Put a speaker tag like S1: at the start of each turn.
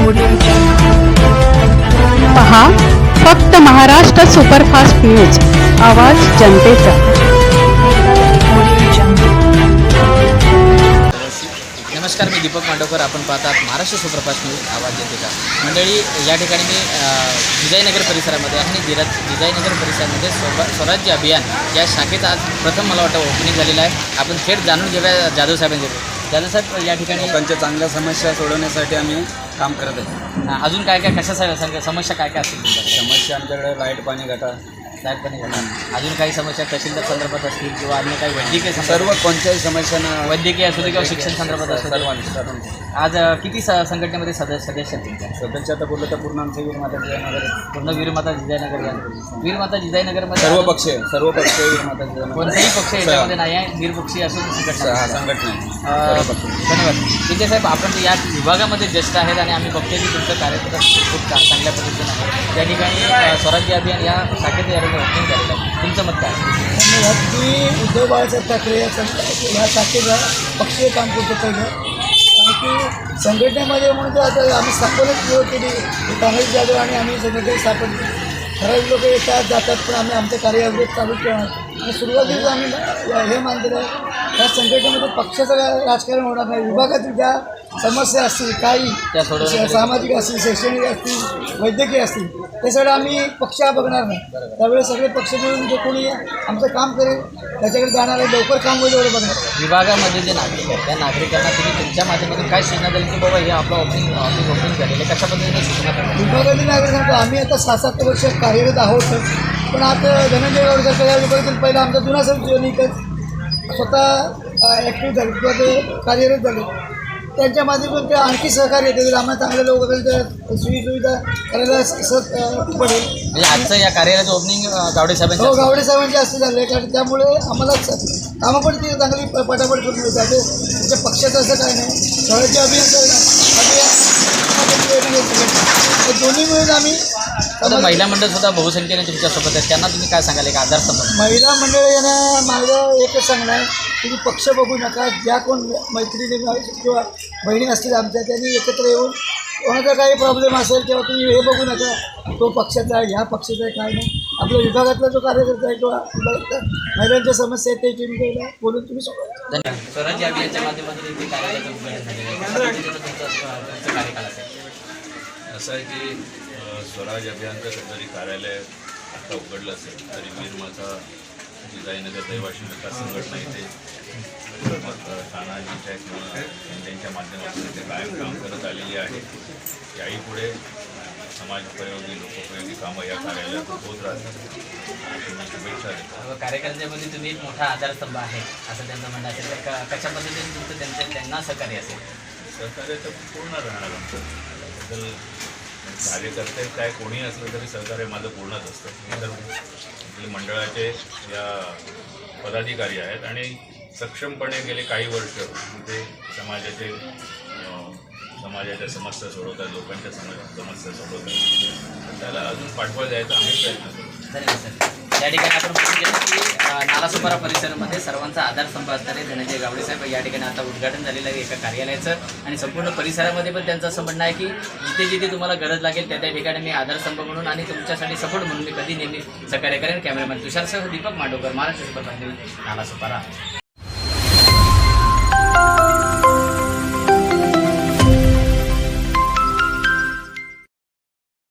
S1: पहा फक्त Maharashtra superfast news, आवाज जनतेचा।
S2: नमस्कार, मी दीपक मांडवकर। आपण पाहतात महाराष्ट्र सुपरफास्ट न्यूज, आवाज जनतेचा। मंडळी, या ठिकाणी मी जिजाईनगर परिसरामध्ये आहे आणि जिजाईनगर परिसरामध्ये स्वराज्य अभियान या शाखेचा आज प्रथम मला वाटतं ओपनिंग झालेलं आहे। आपण थेट जाणून घेऊया जाधव साहेबांकडे। जाधव साहेब, या ठिकाणी
S3: लोकांच्या चांगल्या समस्या सोडवण्यासाठी आम्ही काम करत आहे।
S2: अजून काय काय कशा समस्या काय काय असतील तुमच्याकडे?
S3: समस्या आमच्याकडे लाईट पाणी गटार,
S2: अजून काही समस्या तहसीलदार संदर्भात असतील किंवा अन्य काही वैद्यकीय
S3: सर्व कोणत्याही समस्यांना
S2: वैद्यकीय असू दे किंवा शिक्षण संदर्भात असू दे। आज किती संघटनेमध्ये सदस्य आहेत तुमच्या?
S3: सदस्य आता बोललं तर पूर्ण आमचं वीरमाता जिजाईनगर,
S2: पूर्ण वीरमाता जिजाईनगर, वीरमाता जिजाईनगरमध्ये
S3: सर्व पक्ष वीरमाता जिजाईनगर,
S2: कोणताही पक्ष याच्यामध्ये नाही आहे, निरपक्षी असून संघटना
S3: आहे।
S2: धन्यवाद विजय साहेब। आपण या विभागामध्ये ज्येष्ठ आहेत आणि आम्ही बघतोय की तुमचं कार्यक्रम खूप चांगल्या पद्धतीने आहे। त्या ठिकाणी स्वराज्य अभियान या शाखेत या ओपनिंग झालेलं आहे, तुमचं मत काय?
S4: धन्यवाद। मी उद्धव बाळासाहेब ठाकरे या शाखेला पक्षीय काम करतो पहिलं, आणि की संघटनेमध्ये म्हणून तर आता आम्ही स्थापनच सुरू केली, काँग्रेस जाधव आणि आम्ही संघटना स्थापन केली। ठराविक लोक येतात जातात, पण आम्ही आमचं कार्य अवरोध चालू ठेवणार। आणि सुरुवातीला आम्ही हे मानलेलं आहे, या संघटनेमध्ये पक्षाचं राजकारण होणार नाही। विभागातील ज्या समस्या असतील, काही सामाजिक असतील, शैक्षणिक असतील, वैद्यकीय असतील, ते सगळं आम्ही पक्ष बघणार नाही। त्यावेळेस सगळे पक्ष मिळून जो कोणी आमचं काम करेल त्याच्याकडे जाणार आहे, लवकर काम होईल एवढं बघणार।
S2: विभागामध्ये जे नागरिक आहेत त्या नागरिकांना तुम्ही तुमच्या माध्यमातून काय सूचना द्याल की बाबा हे आपलं ऑफिस ओपनिंग झालेलं आहे, कशा पद्धतीने सूचना द्याल?
S4: विभागातील नागरिक सांगतो, आम्ही आता 6-7 वर्ष कार्यरत आहोत, पण आता धनंजय गावडेकर या विभागातील पहिला आमचा जुना सैनिक स्वतः ॲक्टिव्ह झाले किंवा ते कार्यरत झाले, त्यांच्या माध्यमातून ते आणखी सहकार्य देतील, आम्हाला चांगले लोक तर सुविधा करायला पडेल।
S2: म्हणजे आजचं या कार्यालयाचं ओपनिंग गावडे साहेबांचं?
S4: हो, गावडे साहेबांचे असं झालं आहे, कारण त्यामुळे आम्हाला कामं पण ती चांगली पटापट करून मिळतात। तुमच्या पक्षाचं असं काय नाही, स्वराज्य दोन्ही मिळून आम्ही
S2: आता महिला मंडळ सुद्धा बहुसंख्येने तुमच्यासोबत आहेत, त्यांना तुम्ही काय सांगाल एक आधारस्तंभ?
S4: महिला मंडळ यांना माझं एकच सांगणं आहे, तुम्ही पक्ष बघू नका। ज्या कोण मैत्रिणी किंवा बहिणी असतील आमच्या, त्यांनी एकत्र येऊन कोणाचा काही प्रॉब्लेम असेल किंवा तुम्ही हे बघू नका तो पक्षाचा आहे ह्या पक्षाचा आहे, काय नाही। आपल्या विभागातला जो कार्यकर्ता आहे किंवा महिलांच्या समस्या आहेत ते तुम्ही बोलून तुम्ही सोडवा।
S2: धन्यवाद। स्वराज्य अभियानच्या माध्यमातून इथे कार्यालयाचं उद्घाटन झालेलं आहे, तुमचं कार्यकाल असेल?
S5: असं आहे की स्वराज अभियानचं जरी कार्यालय आता उघडलं असेल तरी वीरमाता जिजाईनगर दैवाशी विकास संघटना इथे तानाजीच्या त्यांच्या माध्यमातून इथे कायम काम करत आलेली आहे। याही पुढे समाजोपयोगी लोकोपयोगी कामं या कार्यालयात होत राहतात। शुभेच्छा देतो।
S2: कार्यकर्त्यामध्ये तुम्ही एक मोठा आधारस्तंभ आहे असं त्यांचं म्हणणं असेल, तर कशा पद्धतीने तुमचं त्यांना सहकार्य असेल?
S5: सहकार्य तर पूर्ण राहणार आमचं। कार्यकर्ते काय कोणी असलं तरी सहकार्य माझं पूर्णच असतं। मी तर आपले मंडळाचे या पदाधिकारी आहेत आणि सक्षमपणे गेले काही वर्ष ते समाजाच्या समस्या सोडवतात, लोकांच्या समस्या सोडवतात। त्याला अजून पाठबळ द्यायचा आम्ही प्रयत्न करू।
S2: धन्यवाद सर। या ठिकाणी आपण बघून गेलो की नालासोपारा परिसरामध्ये सर्वांचा आधारस्तंभ असणारे धनंजय गावडे साहेब या ठिकाणी आता उद्घाटन झालेलं आहे एका कार्यालयाचं, आणि संपूर्ण परिसरामध्ये पण त्यांचं असं म्हणणं आहे की जिथे जिथे तुम्हाला गरज लागेल त्या ठिकाणी मी आधारस्तंभ म्हणून आणि तुमच्यासाठी सपोर्ट म्हणून मी कधी नेहमी सहकार्य करेन। कॅमेरामॅन तुषारसह दीपक मांडवकर, महाराष्ट्र सुपरफास्ट न्यूज, नालासोपारा।